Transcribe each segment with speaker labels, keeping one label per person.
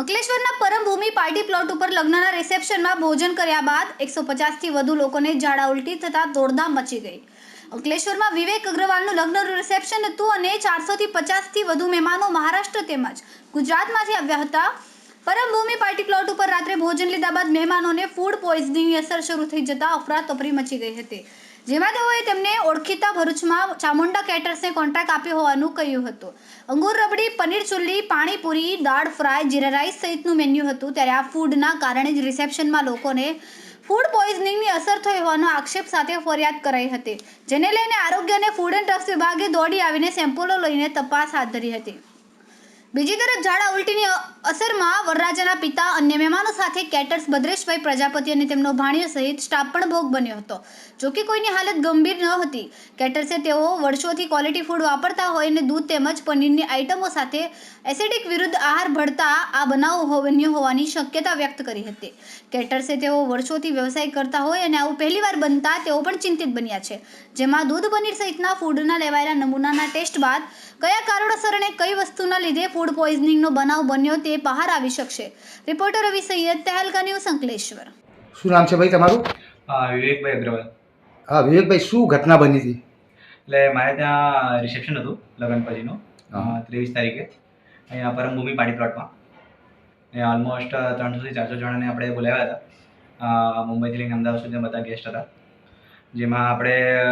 Speaker 1: અંકલેશ્વરના પરમભૂમિ party plot ઉપર લગ્નના રિસેપ્શનમાં ભોજન કર્યા બાદ 150થી વધુ લોકોને ઝાડા ઉલટી થતાં દોડધામ મચી ગઈ. અંકલેશ્વરમાં વિવેક અગ્રવાલનું લગ્નનું રિસેપ્શન હતું અને 400થી 50થી વધુ મહેમાનો મહારાષ્ટ્ર તેમજ ગુજરાતમાંથી આવ્યા હતા. પરમભૂમિ પાર્ટી પ્લોટ ઉપર રાત્રે ભોજન લીધા બાદ મહેમાનોને ફૂડ પોઈઝનિંગની અસર શરૂ થઈ જતા અફરાતફરી મચી ગઈ હતી, જેમાં તેઓએ તેમને ઓળખીતા ભરૂચમાં ચામુંડા કેટર્સને કોન્ટ્રાક્ટ આપ્યો હોવાનું કહ્યું હતું. અંગુર રબડી, પનીર ચુલ્લી, પાણીપુરી, દાળ ફ્રાય, જીરા રાઈસ સહિતનું મેન્યુ હતું. ત્યારે આ ફૂડના કારણે જ રિસેપ્શનમાં લોકોને ફૂડ પોઈઝનિંગની અસર થઈ હોવાનો આક્ષેપ સાથે ફરિયાદ કરાઈ હતી, જેને લઈને આરોગ્ય અને ફૂડ એન્ડ ડ્રગ્સ વિભાગે દોડી આવીને સેમ્પલો લઈને તપાસ હાથ ધરી હતી. બીજી તરફ ઝાડા ઉલટીની અસરમાં વરરાજાના પિતા, અન્ય મહેમાનો સાથે કેટર્સ ભદ્રેશભાઈ પ્રજાપતિ અને તેમનો ભાણિયો સહિત સ્ટાફ પણ ભોગ બન્યો હતો. જોકે કોઈની હાલત ગંભીર ન હતી. કેટર્સે તેઓ વર્ષોથી ક્વોલિટી ફૂડ વાપરતા હોય અને દૂધ તેમજ પનીરની આઇટમો સાથે એસિડિક વિરુદ્ધ આહાર ભળતા આ બનાવ બન્યો હોવાની શક્યતા વ્યક્ત કરી હતી. કેટર્સે તેઓ વર્ષોથી વ્યવસાય કરતા હોય અને આવું પહેલીવાર બનતા તેઓ પણ ચિંતિત બન્યા છે, જેમાં દૂધ, પનીર સહિતના ફૂડના લેવાયેલા નમૂનાના ટેસ્ટ બાદ કયા કારણોસર અને કઈ વસ્તુના લીધે ફૂડ પોઈઝનિંગનો બનાવ બન્યો તે બહાર આવી શકશે. Reporter Ravi Sayed, Tehelka news, Ankleshwar.
Speaker 2: શું નામ છે ભાઈ તમારું?
Speaker 3: વિવેકભાઈ અગ્રવાલ.
Speaker 2: હા વિવેકભાઈ, શું ઘટના બની હતી?
Speaker 3: એટલે મારે ત્યાં રિસેપ્શન હતું લગ્ન પછીનું 23 તારીખે અહીંયા પરમભૂમિ પાર્ટી પ્લોટમાં. અહીંયા ઓલમોસ્ટ 300થી 400 જણાને આપણે બોલાવ્યા હતા. મુંબઈથી લઈને અમદાવાદ સુધી બધા ગેસ્ટ હતા, જેમાં આપણે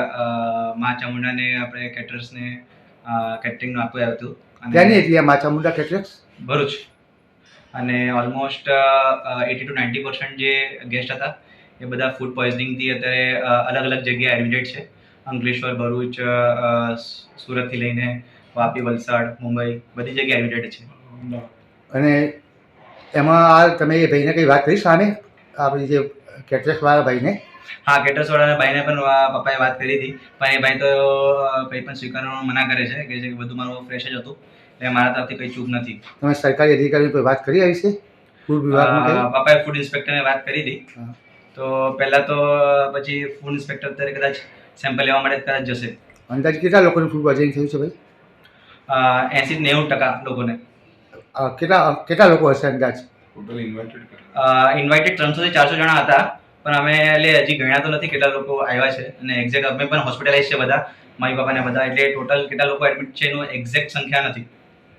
Speaker 3: મા ચામુંડાને આપણે કેટરર્સને કેટરિંગનું આપ્યું હતું.
Speaker 2: ક્યાંની હતી આ મા ચામુંડા કેટરર્સ?
Speaker 3: ભરૂચ. અને ઓલમોસ્ટ 80 to 90% જે ગેસ્ટ હતા એ બધા ફૂડ પોઈઝનિંગથી અત્યારે અલગ અલગ જગ્યાએ એડમિટેડ છે. અંકલેશ્વર, ભરૂચ, સુરતથી લઈને વાપી, વલસાડ, મુંબઈ બધી જગ્યાએ એડમિટેડ છે.
Speaker 2: અને એમાં આ તમે એ ભાઈને કંઈ વાત કરી સામે આપણી જે કેટરર્સવાળા ભાઈને?
Speaker 3: હા, કેટરર્સવાળાના ભાઈને પણ પપ્પાએ વાત કરી હતી, પણ એ ભાઈ તો કંઈ પણ સ્વીકારવાનું મના કરે છે, કે બધું મારું ફ્રેશ જ હતું, એટલે મારા તરફથી કંઈ ચૂક નથી.
Speaker 2: તમે સરકારી અધિકારીની કોઈ વાત કરી આવી છે? ફૂડ વિભાગમાં
Speaker 3: પપ્પાએ ફૂડ ઇન્સ્પેક્ટરને વાત કરી હતી. તો પહેલાં તો પછી ફૂડ ઇન્સ્પેક્ટર અત્યારે કદાચ સેમ્પલ લેવા માટે કદાચ જશે.
Speaker 2: અંદાજ કેટલા લોકોને ફૂડ પોઈઝનિંગ થયું છે ભાઈ?
Speaker 3: 80-90% લોકોને.
Speaker 2: કેટલા લોકો હશે અંદાજ?
Speaker 3: ઇન્વાઇટેડ 300થી 400 જણા હતા, પણ અમે એટલે હજી ગણ્યા તો નથી કેટલા લોકો આવ્યા છે, અને એક્ઝેક્ટ અમે પણ હોસ્પિટલાઇઝ છે બધા, મારી બાપાને બધા, એટલે ટોટલ કેટલા લોકો એડમિટ છે એનું એક્ઝેક્ટ સંખ્યા નથી.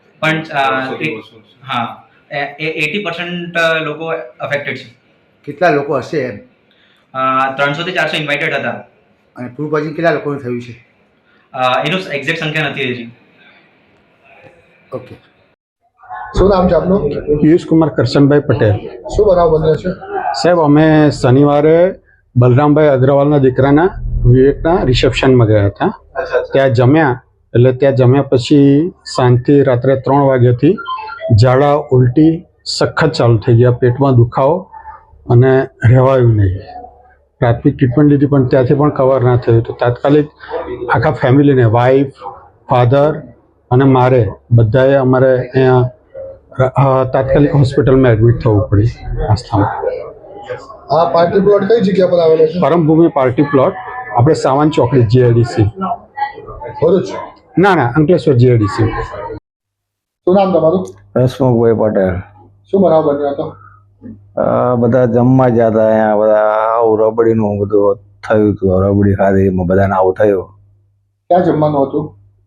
Speaker 3: પણ હા, 80% લોકો અફેક્ટેડ છે.
Speaker 2: કેટલા લોકો હશે એમ?
Speaker 3: 300થી 400 ઇન્વાઇટેડ હતા.
Speaker 2: અને ફૂડ પોઈઝનિંગ કેટલા લોકોને થયું છે
Speaker 3: એનું એક્ઝેક્ટ સંખ્યા નથી હજી.
Speaker 2: ઓકે. શું નામ છે આપનું?
Speaker 4: પિયુષ કુમાર કરશનભાઈ પટેલ.
Speaker 2: શું બનાવ બન્યો છે
Speaker 4: સાહેબ? અમે શનિવારે બલરામભાઈ અગ્રવાલના દીકરાના વિવેકના રિસેપ્શનમાં ગયા હતા. ત્યાં જમ્યા, એટલે ત્યાં જમ્યા પછી સાંજથી રાત્રે 3 વાગ્યાથી ઝાડા ઉલટી સખત ચાલુ થઈ ગયા, પેટમાં દુખાવો અને રહેવાયું નહીં. પ્રાથમિક ટ્રીટમેન્ટ લીધી પણ ત્યાંથી પણ કવર ના થયું, તો તાત્કાલિક આખા ફેમિલીને, વાઈફ, ફાધર અને મારે બધાએ અમારે અહીંયા તાત્કાલિક હોસ્પિટલમાં એડમિટ થવું પડી આસ્થામાં.
Speaker 2: આ પાર્ટી પ્લોટ કઈ જગ્યા પર આવેલો છે?
Speaker 4: પરમભૂમિ પાર્ટી પ્લોટ, આપણે સાવન ચોકડી, જીઆઈડીસી.
Speaker 2: ભરૂચ?
Speaker 4: ના, અંકલેશ્વર, જીઆઈડીસી.
Speaker 2: શું નામ તમારું?
Speaker 5: હસમુખભાઈ પટેલ.
Speaker 2: શું બનાવ બન્યો હતો?
Speaker 5: બધા જમવા ગયા હતા અહીંયા, બધા આવું રબડીનું બધું થયું હતું, રબડી ખાધી, એમાં બધાને આવું થયું.
Speaker 2: ક્યાં જમવાનું હતું?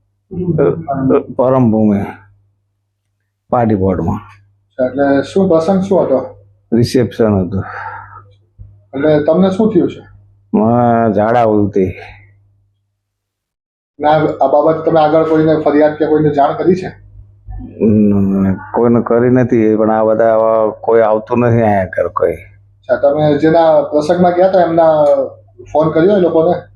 Speaker 5: પરમભૂમિ પાર્ટી પ્લોટમાં.
Speaker 2: એટલે શું પ્રસંગ શું હતો?
Speaker 5: રિસેપ્શન હતું.
Speaker 2: એટલે તમને શું થયું છે?
Speaker 5: ઝાડા ઉલટી.
Speaker 2: આ બાબત તમે આગળ કોઈને ફરિયાદ કે કોઈને જાણ કરી છે?
Speaker 5: કોઈને કરી નથી, પણ આ બધા કોઈ આવતું નથી અહીંયા ઘર કોઈ.
Speaker 2: તમે જેના પ્રસંગમાં ગયા હતા એમના ફોન કર્યો એ લોકોને?